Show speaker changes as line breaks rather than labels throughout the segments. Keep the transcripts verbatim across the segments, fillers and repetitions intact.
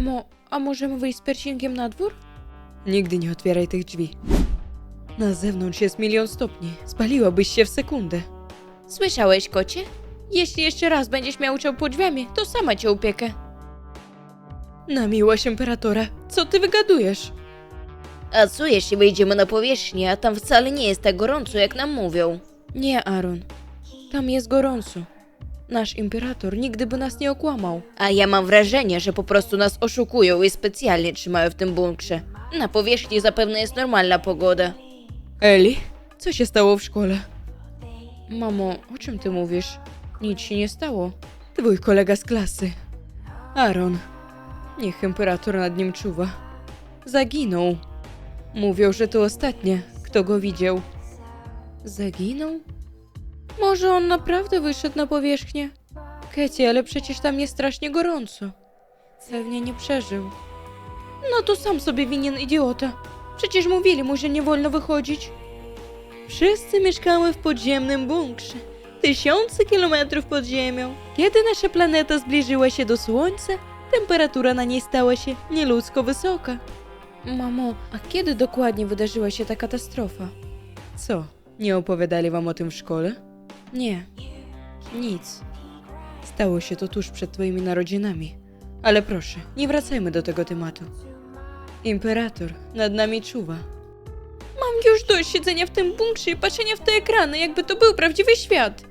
Mamo, a możemy wyjść z piercingiem na dwór?
Nigdy nie otwieraj tych drzwi. Na zewnątrz jest milion stopni. Spaliłabyś się w sekundę.
Słyszałeś, kocie? Jeśli jeszcze raz będziesz miał uciał pod drzwiami, to sama cię upiekę.
Na miłość imperatora, co ty wygadujesz?
A co jeśli wyjdziemy na powierzchnię, a tam wcale nie jest tak gorąco, jak nam mówią?
Nie, Aaron. Tam jest gorąco. Nasz imperator nigdy by nas nie okłamał.
A ja mam wrażenie, że po prostu nas oszukują i specjalnie trzymają w tym bunkrze. Na powierzchni zapewne jest normalna pogoda.
Eli, co się stało w szkole?
Mamo, o czym ty mówisz? Nic się nie stało.
Twój kolega z klasy. Aaron. Niech imperator nad nim czuwa. Zaginął. Mówią, że to ostatnie, kto go widział.
Zaginął? Może on naprawdę wyszedł na powierzchnię?
Kecie, ale przecież tam jest strasznie gorąco.
Pewnie nie przeżył.
No to sam sobie winien, idiota. Przecież mówili mu, że nie wolno wychodzić. Wszyscy mieszkamy w podziemnym bunkrze. Tysiące kilometrów pod ziemią. Kiedy nasza planeta zbliżyła się do Słońca, temperatura na niej stała się nieludzko wysoka.
Mamo, a kiedy dokładnie wydarzyła się ta katastrofa?
Co, nie opowiadali wam o tym w szkole?
Nie, nic.
Stało się to tuż przed twoimi narodzinami. Ale proszę, nie wracajmy do tego tematu. Imperator nad nami czuwa.
Mam już dość siedzenia w tym bunkrze i patrzenia w te ekrany, jakby to był prawdziwy świat.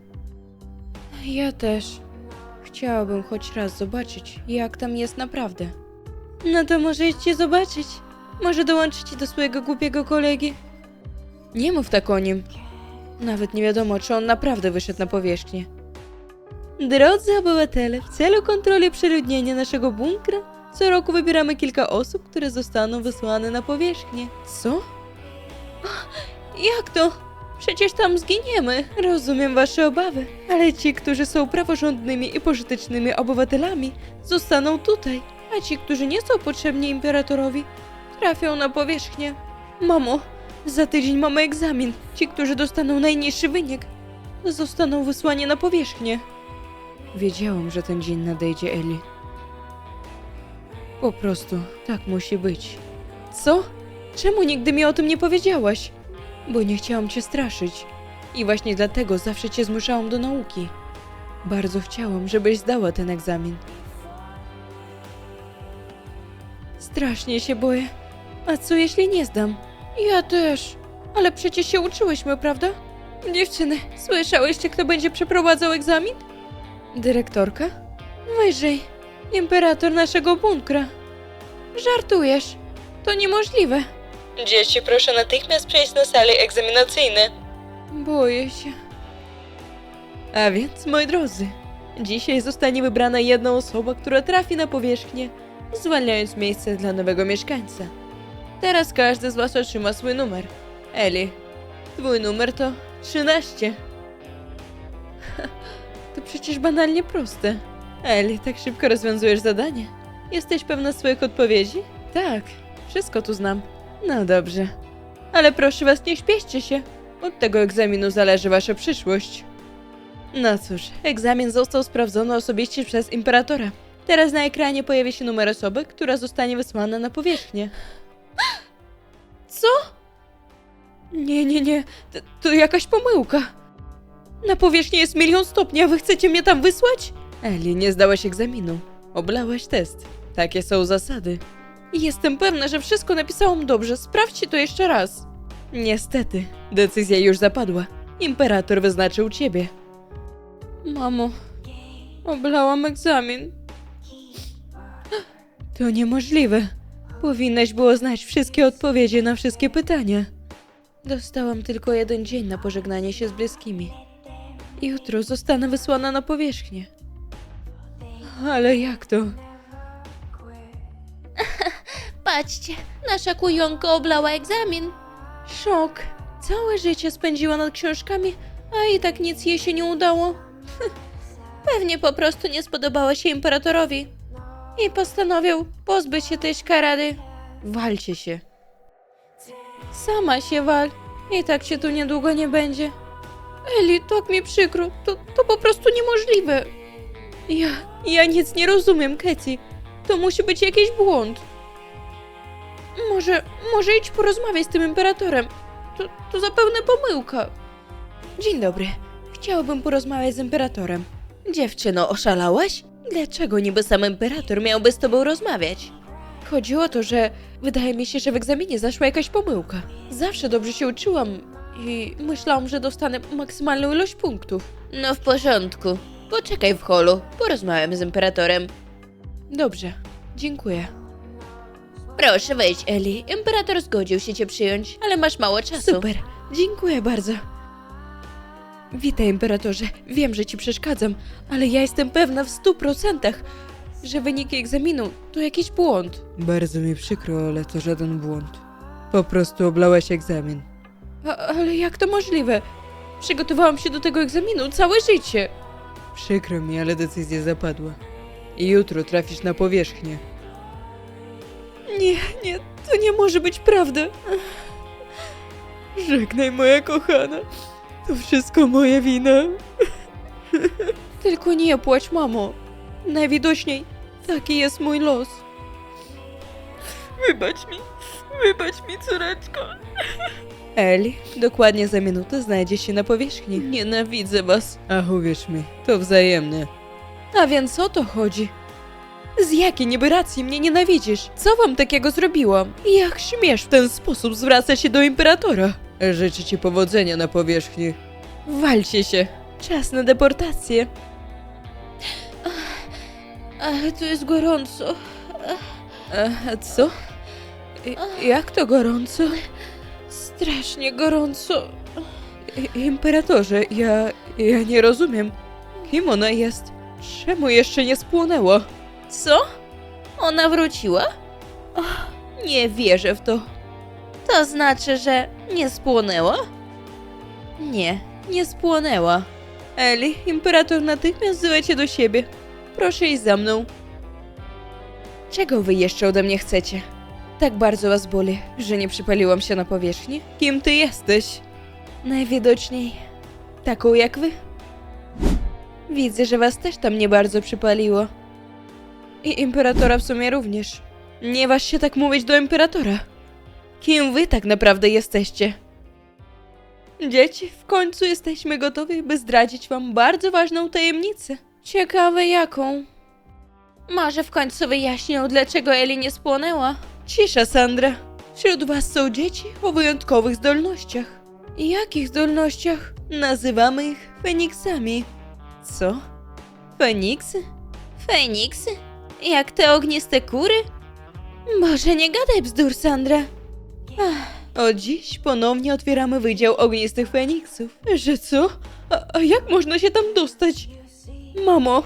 Ja też. Chciałabym choć raz zobaczyć, jak tam jest naprawdę.
No to może idźcie zobaczyć. Może dołączycie do swojego głupiego kolegi. Nie mów tak o nim. Nawet nie wiadomo, czy on naprawdę wyszedł na powierzchnię. Drodzy obywatele, w celu kontroli przeludnienia naszego bunkra, co roku wybieramy kilka osób, które zostaną wysłane na powierzchnię. Co? Jak to? Przecież tam zginiemy. Rozumiem wasze obawy, ale ci, którzy są praworządnymi i pożytecznymi obywatelami, zostaną tutaj, a ci, którzy nie są potrzebni imperatorowi, trafią na powierzchnię. Mamo, za tydzień mamy egzamin. Ci, którzy dostaną najniższy wynik, zostaną wysłani na powierzchnię. Wiedziałam, że ten dzień nadejdzie, Eli. Po prostu tak musi być. Co? Czemu nigdy mi o tym nie powiedziałaś? Bo nie chciałam cię straszyć. I właśnie dlatego zawsze cię zmuszałam do nauki. Bardzo chciałam, żebyś zdała ten egzamin. Strasznie się boję. A co jeśli nie zdam?
Ja też. Ale przecież się uczyłyśmy, prawda?
Dziewczyny, słyszałyście, kto będzie przeprowadzał egzamin? Dyrektorka? Wyżej. Imperator naszego bunkra.
Żartujesz. To niemożliwe.
Dzieci, proszę natychmiast przejść na sale egzaminacyjne. Boję się. A więc, moi drodzy, dzisiaj zostanie wybrana jedna osoba, która trafi na powierzchnię, zwalniając miejsce dla nowego mieszkańca. Teraz każdy z was otrzyma swój numer. Eli, twój numer to trzynaście. To przecież banalnie proste. Eli, tak szybko rozwiązujesz zadanie. Jesteś pewna swoich odpowiedzi? Tak, wszystko tu znam. No dobrze. Ale proszę was, nie śpieszcie się. Od tego egzaminu zależy wasza przyszłość. No cóż, egzamin został sprawdzony osobiście przez imperatora. Teraz na ekranie pojawi się numer osoby, która zostanie wysłana na powierzchnię.
Co?
Nie, nie, nie. To, to jakaś pomyłka. Na powierzchni jest milion stopni, a wy chcecie mnie tam wysłać? Eli, nie zdałaś egzaminu. Oblałaś test. Takie są zasady. Jestem pewna, że wszystko napisałam dobrze. Sprawdźcie to jeszcze raz. Niestety, decyzja już zapadła. Imperator wyznaczył ciebie. Mamo, oblałam egzamin. To niemożliwe. Powinnaś było znać wszystkie odpowiedzi na wszystkie pytania. Dostałam tylko jeden dzień na pożegnanie się z bliskimi. Jutro zostanę wysłana na powierzchnię. Ale jak to?
Patrzcie, nasza kujonka oblała egzamin.
Szok. Całe życie spędziła nad książkami, a i tak nic jej się nie udało.
Pewnie po prostu nie spodobała się imperatorowi. I postanowił pozbyć się tej szkarady.
Walcie się.
Sama się wal. I tak się tu niedługo nie będzie. Eli, tak mi przykro. To, to po prostu niemożliwe.
Ja, ja nic nie rozumiem, Katie.
To musi być jakiś błąd. Może, może idź porozmawiać z tym imperatorem. To, to zapewne pomyłka. Dzień dobry. Chciałabym porozmawiać z imperatorem. Dziewczyno, oszalałaś? Dlaczego niby sam imperator miałby z tobą rozmawiać? Chodzi o to, że wydaje mi się, że w egzaminie zaszła jakaś pomyłka. Zawsze dobrze się uczyłam i myślałam, że dostanę maksymalną ilość punktów. No w porządku. Poczekaj w holu. Porozmawiam z imperatorem. Dobrze. Dziękuję. Proszę wejdź, Eli. Imperator zgodził się cię przyjąć, ale masz mało czasu. Super. Dziękuję bardzo. Witaj, imperatorze. Wiem, że ci przeszkadzam, ale ja jestem pewna w stu procentach, że wyniki egzaminu to jakiś błąd.
Bardzo mi przykro, ale to żaden błąd. Po prostu oblałaś egzamin.
A, ale jak to możliwe? Przygotowałam się do tego egzaminu całe życie.
Przykro mi, ale decyzja zapadła. I jutro trafisz na powierzchnię.
Nie, nie, to nie może być prawda.
Żegnaj, moja kochana. To wszystko moja wina.
Tylko nie płacz, mamo. Najwidoczniej taki jest mój los.
Wybacz mi, wybacz mi, córeczko. Eli, dokładnie za minutę znajdziesz się na powierzchni.
Nienawidzę was.
Ach, uwierz mi, to wzajemne.
A więc o to chodzi? Z jakiej niby racji mnie nienawidzisz? Co wam takiego zrobiłam? Jak śmiesz w ten sposób zwracać się do imperatora?
Życzę ci powodzenia na powierzchni.
Walcie się. Czas na deportację. Ach, tu jest gorąco.
A co? I, jak to gorąco?
Strasznie gorąco.
I, imperatorze, ja, ja nie rozumiem. Kim ona jest? Czemu jeszcze nie spłonęła?
Co? Ona wróciła? Och, nie wierzę w to. To znaczy, że nie spłonęła? Nie, nie spłonęła.
Eli, imperator natychmiast wzywa cię do siebie. Proszę iść za mną.
Czego wy jeszcze ode mnie chcecie? Tak bardzo was boli, że nie przypaliłam się na powierzchni?
Kim ty jesteś?
Najwidoczniej taką jak wy. Widzę, że was też tam nie bardzo przypaliło.
I imperatora w sumie również.
Nie waż się tak mówić do imperatora. Kim wy tak naprawdę jesteście?
Dzieci, w końcu jesteśmy gotowi, by zdradzić wam bardzo ważną tajemnicę.
Ciekawe jaką? Może w końcu wyjaśnią, dlaczego Eli nie spłonęła?
Cisza, Sandra. Wśród was są dzieci o wyjątkowych zdolnościach.
Jakich zdolnościach?
Nazywamy ich Feniksami.
Co? Feniksy? Feniksy? Jak te ogniste kury? Boże, nie gadaj bzdur, Sandra.
Ach, od dziś ponownie otwieramy Wydział Ognistych Feniksów. Że co? A, a jak można się tam dostać? Mamo!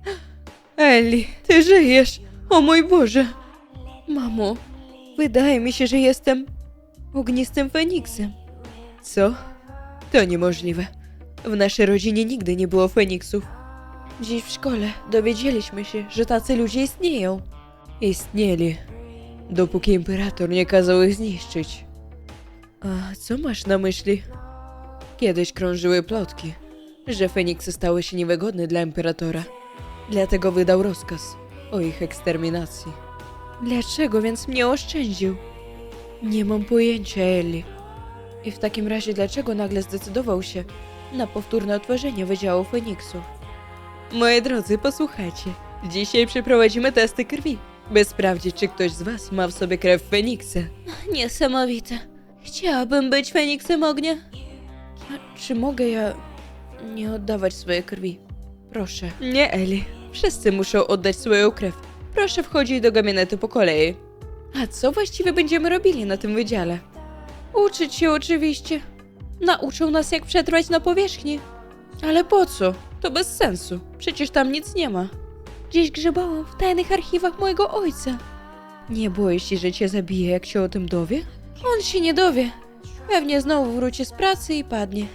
Eli, ty żyjesz! O mój Boże! Mamo, wydaje mi się, że jestem ognistym Feniksem. Co? To niemożliwe. W naszej rodzinie nigdy nie było Feniksów. Dziś w szkole dowiedzieliśmy się, że tacy ludzie istnieją. Istnieli, dopóki imperator nie kazał ich zniszczyć. A co masz na myśli? Kiedyś krążyły plotki, że Feniksy stały się niewygodne dla imperatora. Dlatego wydał rozkaz o ich eksterminacji. Dlaczego więc mnie oszczędził? Nie mam pojęcia, Eli. I w takim razie dlaczego nagle zdecydował się na powtórne otworzenie Wydziału Feniksów? Moi drodzy, posłuchajcie. Dzisiaj przeprowadzimy testy krwi, by sprawdzić, czy ktoś z was ma w sobie krew Feniksa.
Niesamowite. Chciałabym być Feniksem ognia.
A czy mogę ja nie oddawać swojej krwi? Proszę. Nie, Eli. Wszyscy muszą oddać swoją krew. Proszę wchodzić do gabinetu po kolei. A co właściwie będziemy robili na tym wydziale?
Uczyć się oczywiście.
Nauczą nas, jak przetrwać na powierzchni. Ale po co? To bez sensu. Przecież tam nic nie ma.
Gdzieś grzebałam w tajnych archiwach mojego ojca.
Nie boisz się, że cię zabije, jak się o tym dowie?
On się nie dowie. Pewnie znowu wróci z pracy i padnie.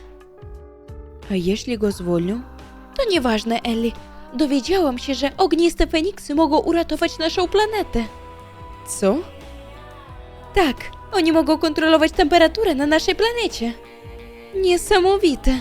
A jeśli go zwolnią?
To nieważne, Ellie. Dowiedziałam się, że ogniste Feniksy mogą uratować naszą planetę.
Co?
Tak, oni mogą kontrolować temperaturę na naszej planecie. Niesamowite.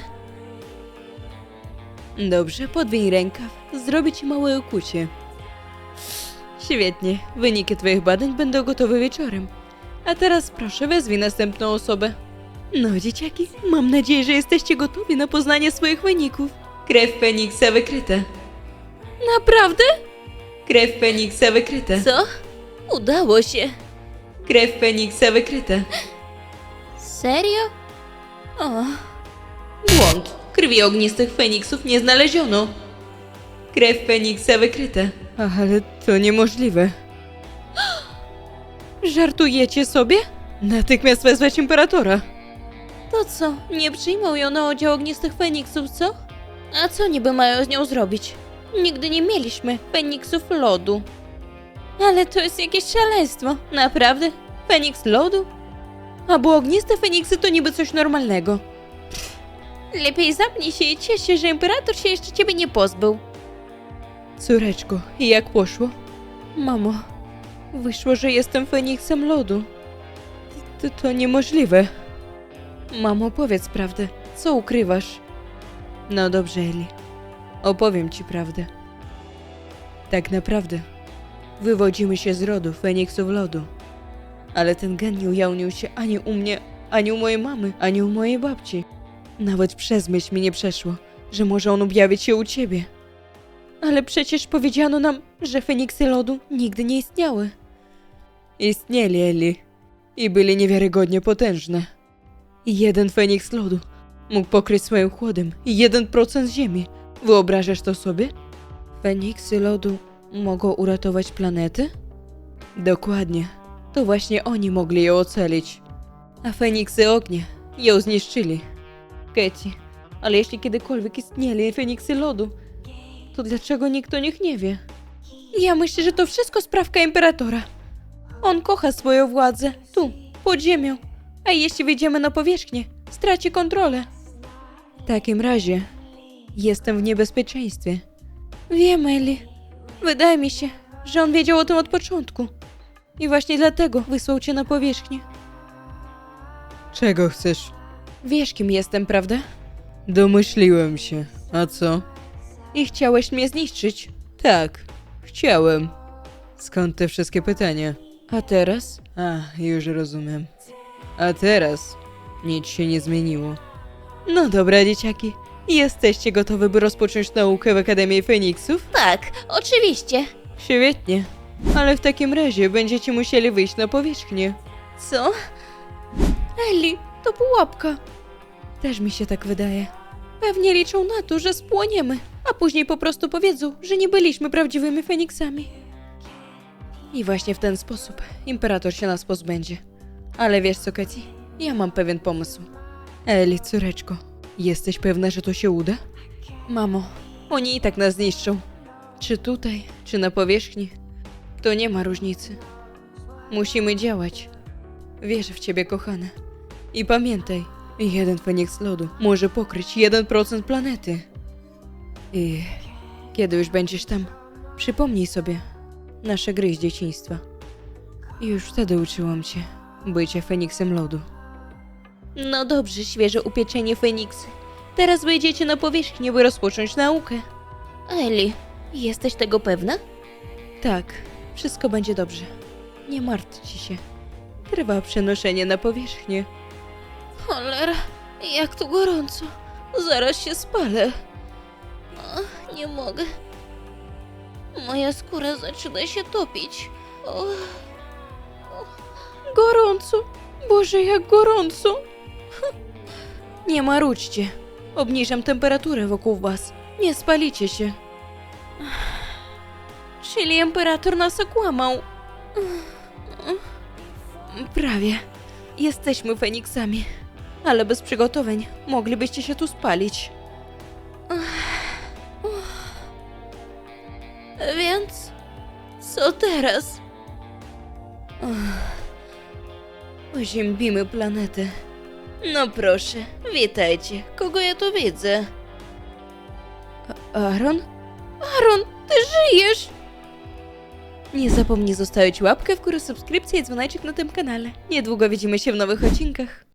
Dobrze, podwiń rękaw. Zrobię ci małe okucie. Świetnie, wyniki twoich badań będą gotowe wieczorem. A teraz proszę, wezwij następną osobę. No, dzieciaki, mam nadzieję, że jesteście gotowi na poznanie swoich wyników. Krew Feniksa wykryta.
Naprawdę?
Krew Feniksa wykryta.
Co? Udało się.
Krew Feniksa wykryta.
Serio? O,
Błąd. Krwi ognistych Feniksów nie znaleziono. Krew Feniksa wykryta. Ale to niemożliwe. Żartujecie sobie? Natychmiast wezwać imperatora.
to co? Nie przyjmą ją na oddział ognistych Feniksów, co? A co niby mają z nią zrobić? Nigdy nie mieliśmy Feniksów lodu. Ale to jest jakieś szaleństwo. Naprawdę? Feniks lodu?
A bo ogniste Feniksy to niby coś normalnego.
Lepiej zamknij się i ciesz się, że imperator się jeszcze ciebie nie pozbył.
Córeczko, i jak poszło? Mamo, wyszło, że jestem Feniksem lodu. To, to niemożliwe. Mamo, powiedz prawdę. Co ukrywasz? No dobrze, Eli. Opowiem ci prawdę. Tak naprawdę wywodzimy się z rodu Feniksów lodu. Ale ten gen nie ujawnił się ani u mnie, ani u mojej mamy, ani u mojej babci. Nawet przez myśl mi nie przeszło, że może on objawić się u ciebie. Ale przecież powiedziano nam, że Feniksy lodu nigdy nie istniały. Istnieli, Eli. I byli niewiarygodnie potężne. I jeden Feniks lodu mógł pokryć swoim chłodem jeden procent ziemi. Wyobrażasz to sobie? Feniksy lodu mogą uratować planety? Dokładnie. To właśnie oni mogli ją ocalić. A Feniksy ognia ją zniszczyli. Katie, ale jeśli kiedykolwiek istnieli Feniksy lodu, to dlaczego nikt o nich nie wie? Ja myślę, że to wszystko sprawka imperatora. On kocha swoją władzę, tu, pod ziemią. A jeśli wyjdziemy na powierzchnię, straci kontrolę. W takim razie jestem w niebezpieczeństwie. Wiem, Eli. Wydaje mi się, że on wiedział o tym od początku. I właśnie dlatego wysłał cię na powierzchnię. Czego chcesz? Wiesz, kim jestem, prawda? Domyśliłem się. A co? I chciałeś mnie zniszczyć? Tak, chciałem. Skąd te wszystkie pytania? A teraz? A, już rozumiem. A teraz nic się nie zmieniło. No dobra, dzieciaki. Jesteście gotowe, by rozpocząć naukę w Akademii Feniksów?
Tak, oczywiście.
Świetnie. Ale w takim razie będziecie musieli wyjść na powierzchnię.
Co? Eli, to pułapka.
Też mi się tak wydaje.
Pewnie liczą na to, że spłoniemy, a później po prostu powiedzą, że nie byliśmy prawdziwymi Feniksami.
I właśnie w ten sposób imperator się nas pozbędzie. Ale wiesz co, Katie? Ja mam pewien pomysł. Eli, córeczko, jesteś pewna, że to się uda? Mamo, oni i tak nas zniszczą. Czy tutaj, czy na powierzchni, to nie ma różnicy. Musimy działać. Wierzę w ciebie, kochana. I pamiętaj, jeden Feniks lodu może pokryć jeden procent planety. I kiedy już będziesz tam, przypomnij sobie nasze gry z dzieciństwa. I już wtedy uczyłam cię bycia Feniksem lodu.
No dobrze, świeże upieczenie Feniksy. Teraz wyjdziecie na powierzchnię, by rozpocząć naukę. Eli, jesteś tego pewna?
Tak, wszystko będzie dobrze. Nie martwcie się. Trwa przenoszenie na powierzchnię.
Cholera, jak tu gorąco. Zaraz się spalę. O, nie mogę. Moja skóra zaczyna się topić. O,
Gorąco! Boże, jak gorąco! Nie marudźcie. Obniżam temperaturę wokół was. Nie spalicie się.
czyli imperator nas okłamał.
Prawie. Jesteśmy Feniksami. Ale bez przygotowań moglibyście się tu spalić.
Więc co teraz?
Oziębimy planetę.
No proszę, witajcie. Kogo ja tu widzę?
A- Aaron?
Aaron, ty żyjesz!
Nie zapomnij zostawić łapkę w górę, subskrypcję i dzwoneczek na tym kanale. Niedługo widzimy się w nowych odcinkach.